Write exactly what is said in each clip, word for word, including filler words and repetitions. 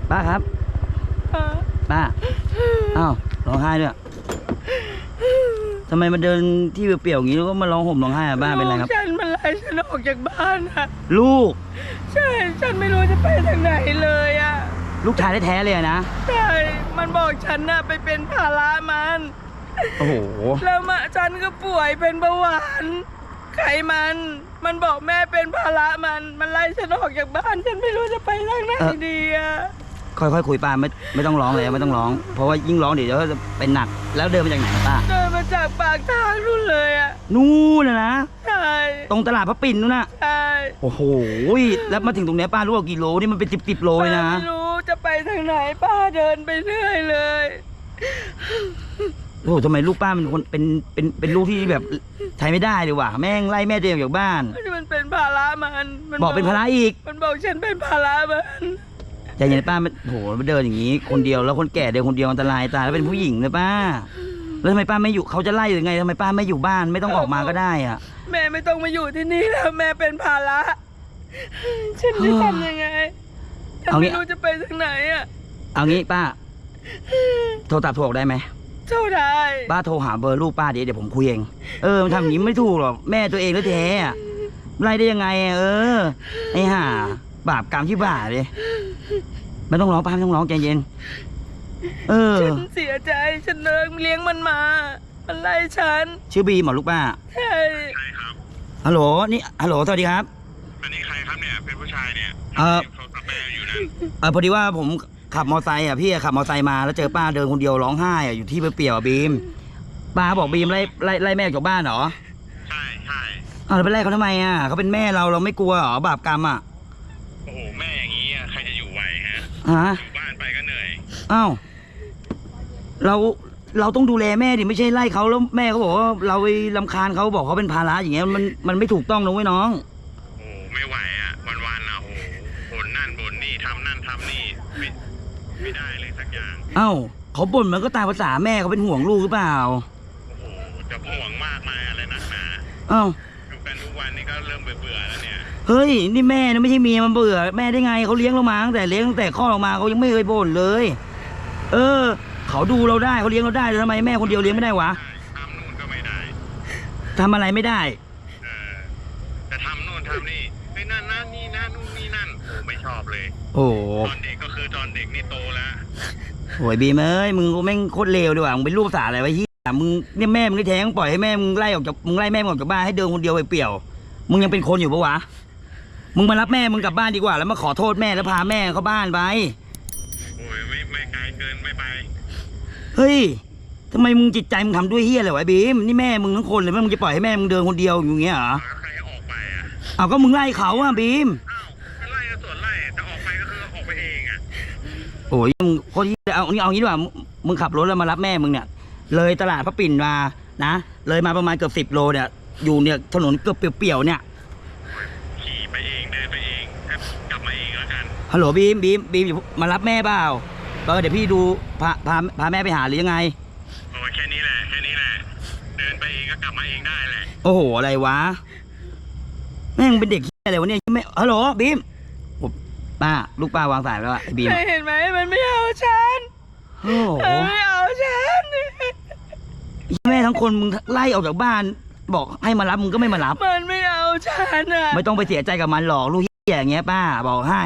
ป้าครับป้าอ้าวร้องไห้ด้วยทำไมมาเดินที่เปลี่ยวๆอย่างนี้แล้วก็มาร้องห่มร้องไห้อะบ้าเป็นไรครับฉันมันไล่ฉันออกจากบ้านอะลูกใช่ฉันไม่รู้จะไปทางไหนเลยอะลูกชายแท้ๆเลยนะใช่มันบอกฉันน่ะไปเป็นภาระมันโอ้โหแล้วมาฉันก็ป่วยเป็นเบาหวานไขมันมันบอกแม่เป็นภาระมันมันไล่ฉันออกจากบ้านฉันไม่รู้จะไปทางไหนดีอะค่อยๆคุยป้าไม่ไม่ต้องร้องเลยไม่ต้องร้องเพราะว่ายิ่งร้องเดี๋ยวจะเป็นหนักแล้วเดินมาจากไหนป้าเดินมาจากปากทางนู่นเลยอะนู่นนะนะใช่ตรงตลาดพระปิ่นนู่นน่ะใช่โอ้โหแล้วมาถึงตรงนี้ป้ารู้ว่ากี่โลนี่มันเป็นสิบสิบโลเลยนะไม่รู้จะไปทางไหนป้าเดินไปเรื่อยเลยโอ้โหทำไมลูกป้าเป็นคนเป็นเป็นเป็นลูกที่แบบใช้ไม่ได้เลยว่ะแม่งไล่แม่ตัวเองออกจากบ้านมันเป็นภาระมันบอกเป็นภาระอีกมันบอกฉันเป็นภาระมันใจเย็นป้ามันโหมันเดินอย่างนี้คนเดียวแล้วคนแก่เดินคนเดียวอันตรายตายแล้วเป็นผู้หญิงเลยป้าแล้วทำไมป้าไม่อยู่เขาจะไล่หรือไงทำไมป้าไม่อยู่บ้านไม่ต้องออกมาก็ได้อ่ะแม่ไม่ต้องมาอยู่ที่นี่แล้วแม่เป็นภาระฉันจะทำยังไงฉันไม่รู้จะไปทางไหนอ่ะเอางี้ป้าโทรตัดถูกได้ไหมโทรได้ป้าโทรหาเบอร์ลูกป้าเดี๋ยวเดี๋ยวผมคุยเองเออมันทำอย่างนี้ไม่ถูกหรอกแม่ตัวเองแล้วแท้ไล่ได้ยังไงเออไอ้ห่าบาปกรรมที่บ้าเลยไม่ต้องร้องป้าไม่ต้องร้องใจเย็นเออฉันเสียใจฉันเลิกเลี้ยงมันมามันไล่ฉันชื่อบีมเหรอลูกป้าใช่ใช่ครับฮัลโหลนี่ฮัลโหลสวัสดีครับอันนี้ใครครับเนี่ยเป็นผู้ชายเนี่ยเออเขาตับแม่อยู่นะเออพอดีว่าผมขับมอไซค์อ่ะพี่ขับมอไซค์มาแล้วเจอป้าเดินคนเดียวร้องไห้อ่ะอยู่ที่เปลี่ยวบีมป้าบอกบีมไล่ไล่ไล่แม่จากบ้านเหรอใช่ใช่อ้าวแล้วไปไล่เขาทำไมอ่ะเขาเป็นแม่เราเราไม่กลัวเหรอบาปกรรมอ่ะโอ้โหแม่อย่างนี้ใครจะอยู่ไหวฮะฮะอยู่บ้านไปก็เหนื่อยอ้าวเราเราต้องดูแลแม่ดิไม่ใช่ไล่เขาแล้วแม่เขาบอกว่าเราไปรำคาญเขาบอกเขาเป็นภาระอย่างเงี้ยมันมันไม่ถูกต้องนะเว้ยน้องโอ้ไม่ไหวอ่ะวันวันอ่ะโอ้บ่นนั่นบ่นนี่ทำนั่นทำนี่ไม่ไม่ได้เลยสักอย่างอ้าวเขาบ่นมันก็ตามภาษาแม่เขาเป็นห่วงลูกหรือเปล่าโอ้โหจะห่วงมากมายอะไรนักหนาอ้าวอยู่กันทุกวันนี่ก็เริ่มเบื่อๆแล้วเนี่ยเฮ้ยนี่แม่นะไม่ใช่เมียมันเบื่อแม่ได้ไงเขาเลี้ยงเรามาตั้งแต่เลี้ยงตั้งแต่คลอดออกมาเขายังไม่เคยบ่นเลยเออเขาดูเราได้เขาเลี้ยงเราได้ทำไมแม่คนเดียวเลี้ยงไม่ได้วะทำนู่นก็ไม่ได้ทำอะไรไม่ได้เออจะทำนู่นทำนี่ไอ้นั่นนั่นนี่นั่นนู่นนี่นั่นโอ้ไม่ชอบเลยโอ้ตอนเด็กก็คือตอนเด็กนี่โตแล้วโอ้ยบีมเอ้ยมึงก็แม่งโคตรเลวดีว่ะมึงเป็นลูกภาษาอะไรวะเฮียมึงเนี่ยแม่มึงได้แท้งปล่อยให้แม่มึงไล่ออกจากมึงไล่แม่มึงออกจากบ้านให้เดินคนเดียวไปเปี่ยวมึงยังเป็นคนอยู่ปะวะมึงมารับแม่มึงกลับบ้านดีกว่าแล้วมาขอโทษแม่แล้วพาแม่เข้าบ้านไปโอ้ยไม่ไม่ไกลเกินไม่ไปเฮ้ยทำไมมึงจิตใจมึงทำด้วยเฮียอะไรวะบีมนี่แม่มึงทั้งคนเลยแม่มึงจะปล่อยให้แม่มึงเดินคนเดียวอย่างเงี้ยเหรอใครออกไปอ่ะเอาก็มึงไล่เขาอ่ะบีมอ้าวไล่ก็ส่วนไล่แต่ออกไปก็คือออกไปเองอ่ะโอ้ยมึงคนที่เอานี่เอางี้ดีกว่ามึงขับรถแล้วมารับแม่มึงเนี่ยเลยตลาดพระปิ่นมานะเลยมาประมาณเกือบสิบโลเนี่ยอยู่เนี่ยถนนเกือบเปี่ยวๆเนี่ยขี่ไปเองเดินไปเองกลับมาเองแล้วกันฮัลโหลบีมบีมบีมมารับแม่เปล่าเออเดี๋ยวพี่ดูพาพาพาแม่ไปหาหรือยังไงโอ้แค่นี้แหละแค่นี้แหละเดินไปเองก็กลับมาเองได้แหละโอ้โหอะไรวะแม่งเป็นเด็กอะไรวะเนี่ยไม่ฮัลโหลบีมป้าลูกป้าวางสายแล้วอะบีมเห็นไหมมันไม่เอาฉันโอ้โหไม่เอาฉันแม่ทั้งคนมึงไล่ออกจากบ้านบอกให้มารับมึงก็ไม่มารับมันไม่เอาฉันอะไม่ต้องไปเสียใจกับมันหรอกลูกอย่างเงี้ยป้าบอกให้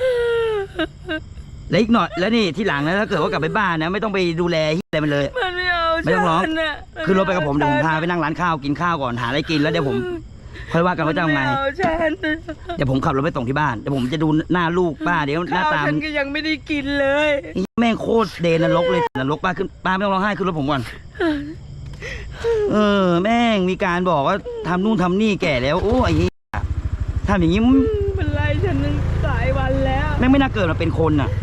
แล้วอีกหน่อยแล้วนี่ที่หลังนะถ้าเกิดว่ากลับไปบ้านนะไม่ต้องไปดูแลอะไรมันเลยมันไม่เอาไม่ต้องร้องคือรถไปกับผมเดี๋ยวผมพาไปนั่งร้านข้าวกินข้าวก่อนหาอะไรกินแล้วเดี๋ยวผมค่อยว่ากันว่าจะทำไงเดี๋ยวผมขับรถไปส่งที่บ้านเดี๋ยวผมจะดูหน้าลูกป้าเดี๋ยวหน้าตาฉันก็ยังไม่ได้กินเลยแม่งโคตรเดนนรกเลยนรกป้าขึ้นป้าไม่ต้องร้องไห้ขึ้นรถผมก่อนเออแม่งมีการบอกว่าทำนู่นทำนี่แก่แล้วโอ้ยทำอย่างนี้มันไล่ฉันหลายวันแล้วแม่งไม่น่าเกิดมาเป็นคนอ่ะ